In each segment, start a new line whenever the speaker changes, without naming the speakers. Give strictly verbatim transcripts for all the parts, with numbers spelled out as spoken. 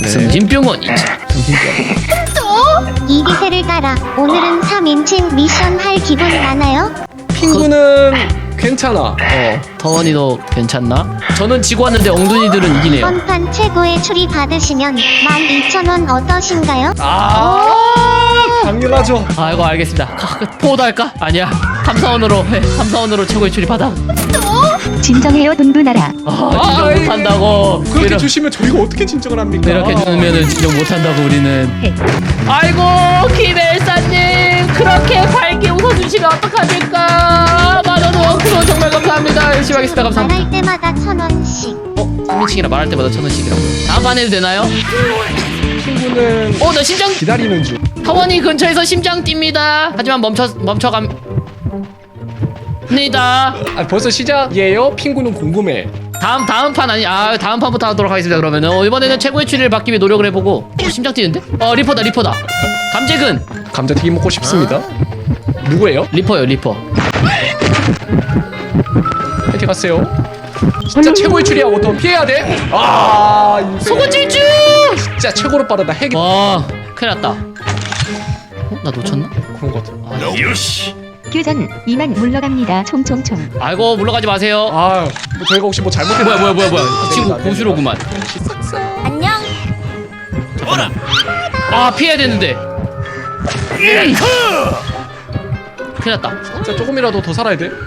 승진병원이지.
이리세를 따라 오늘은 삼인칭 미션 할 기분 나나요?
핑구는 괜찮아. 어.
더원이도 괜찮나? 저는 지고 왔는데 엉둥이들은 이기네요.
번판 최고의 추리 받으시면 만 이천 원 어떠신가요?
아, 당연하죠.
아이고 알겠습니다. 포도 할까? 아니야. 탐사원으로 해. 탐사원으로 최고의 출입 받아.
진정해요 돈두나라.
아 진정
아이,
못한다고.
그렇게
이러-
주시면 저희가 어떻게 진정을 합니까?
이렇게 주면은 진정 못한다고 우리는. 아이고 김엘사님 그렇게 밝게 웃어주시면 어떡합니까? 만원 원크로 정말 감사합니다. 열심히 하겠습니다. 감사합니다.
말할 때마다 천 원씩.
어? 삼인칭이라 말할 때마다 천 원씩이라고. 다음 판 해도 되나요?
핑구는
어 나 심장
기다리는 중.
타원이 근처에서 심장 뜁니다. 하지만 멈춰 멈춰갑니다.
아, 벌써 시작이에요? 핑구는 궁금해.
다음 다음 판 아니 아 다음 판부터 하도록 하겠습니다. 그러면은 어, 이번에는 최고의 추리를 받기 위해 노력을 해보고. 어, 심장 뛰는데? 어 리퍼다 리퍼다. 감재근
감자튀김 먹고 싶습니다. 누구예요?
리퍼요 리퍼.
이렇게 갔어요. 진짜 최고의 추리야. 어떤 피해야 돼? 아, 인생.
소고질주.
진짜 최고로 빠르다. 핵이
와 큰일났다. 어? 나 놓쳤나?
그런 것 같아.
교전 이만 물러갑니다. 총총총.
아이고 물러가지 마세요.
아, 뭐 저희가 혹시 뭐 잘못했나?
뭐야 뭐야 뭐야 뭐야. 이 친구
안 됩니다.
고수로구만.
안녕.
아 피해야 되는데. 음. 큰일났다.
진짜 조금이라도 더 살아야 돼.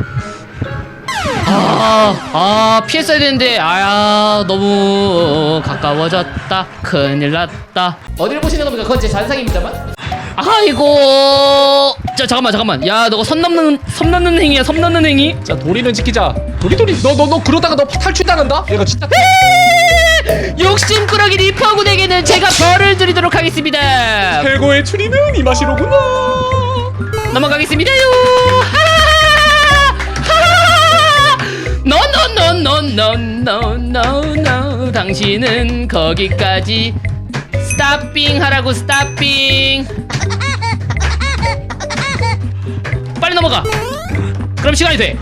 아, 아 피했어야 되는데 아야 너무 가까워졌다. 큰일 났다. 어디를 보시는 겁니까? 그건 제 잔상입니다만. 아이고 자 잠깐만 잠깐만 야 너가 선 넘는 섬 넘는 행위야. 섬 넘는 행위.
자, 도리는 지키자. 도리 도리. 너 너 너 그러다가 너 탈출당한다. 얘가 진짜.
욕심꾸러기 리퍼군에게는 제가 벌을 드리도록 하겠습니다.
최고의 추리는 이 맛이로구나.
넘어가겠습니다요. 노노노노노노노노 당신은 거기까지 스탑빙 하라고. 스탑빙. 빨리 넘어가. 그럼 시간이 돼.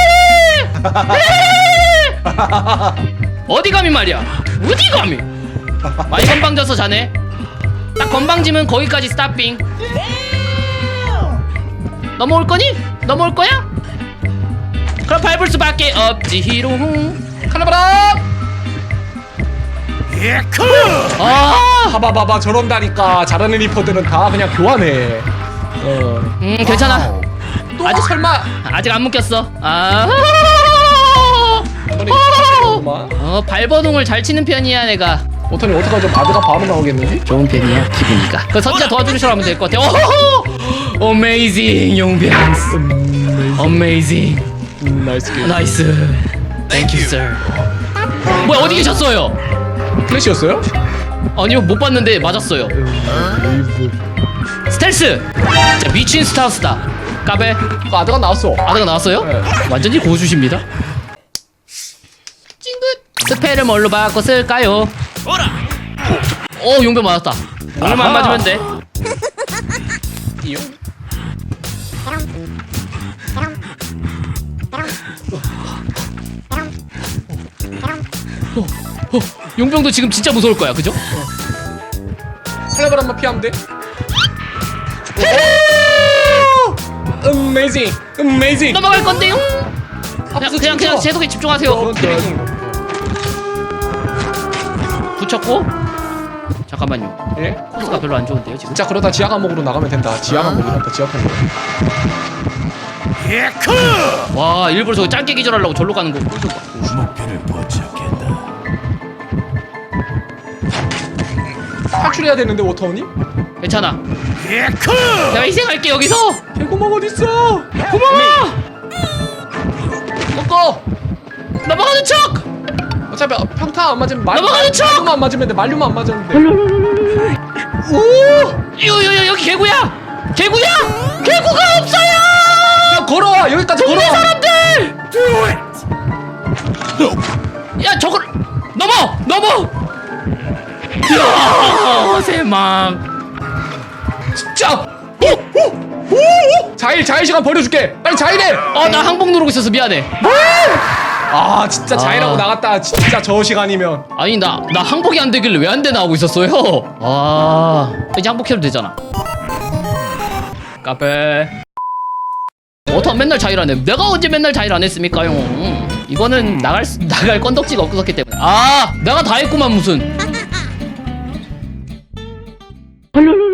어디 감히 말이야. 어디 감히. 많이 건방져서 자네. 딱 건방지면 거기까지 스탑빙. 넘어올 거니? 넘어올 거야? 그럼 밟을 수밖에 없지 히롱.
칼라바라.
아,
봐봐봐봐 저런다니까. 잘하는 리퍼들은 다 그냥 교환해. 어.
음 괜찮아.
또
아직-
설마.
아직 안 묶였어. 아,
오토니
어 발버둥을 잘 치는 편이야 내가.
오토니 어떡하죠? 바드가 바로 나오겠는데?
좋은 편이야 기분이가. 그 선자 도와주시라고 하면 될 것 같아. 오호호! 어메이징 용병스. 어메이징.
음, 나이스 게임.
나이스. 땡큐 sir. 뭐야 어디 계셨어요?
플래시였어요?
아니요 못 봤는데 맞았어요. 스텔스. 자 미친 스타우스다. 까베.
그 아드가 나왔어.
아드가 나왔어요?
네.
완전히 고수십니다. 찡긋. 스펠을 뭘로 바꿔 쓸까요? 오 용병 맞았다. 오늘만
아하.
맞으면 돼.
이요?
어, 용병도 지금 진짜 무서울 거야, 그죠?
칼라바람만 피하면 돼. 어메이징, 어메이징.
넘어갈 건데요. 그냥
앞서
그냥 그냥
춤춰.
제속에 집중하세요.
그런 거.
붙였고. 잠깐만요.
예?
코스가 별로 안 좋은데요 지금.
진짜 그러다 지하 감옥으로 나가면 된다. 지하 감옥이란다. 지하 감옥.
와 일부러 저기 짧게 기절하려고 절로 가는 거. 꿀좀 봐.
탈출해야 되는데 워터원이?
괜찮아. 내가 희생할게 여기서.
개구멍 어딨어?
고마워.
꺾어.
넘어가는 척.
어차피 평타 안 맞으면 말.
넘어가는 척!
말류만 안 맞으면 돼. 말류만 안 맞으면 돼. 오!
요요요 여기 개구야. 개구야. 개구가 없어요.
야, 걸어와. 여기까지
동네
걸어와.
사람들. 야 저걸 넘어 넘어. 야 세망.
진짜. 오! 오! 오! 자일 자일 시간 버려줄게. 빨리 자일해.
어 나 항복 누르고 있어서 미안해.
아 진짜 자일하고
아.
나갔다 진짜 저 시간이면.
아니 나 나 항복이 안 되길래 왜 안 되나 하고 있었어요. 아 이제 항복해도 되잖아. 까베. 어떤 맨날 자일 안 해. 내가 언제 맨날 자일 안 했습니까요? 음, 이거는 나갈 수- 나갈 건덕지가 없었기 때문에. 아 내가 다 했구만 무슨.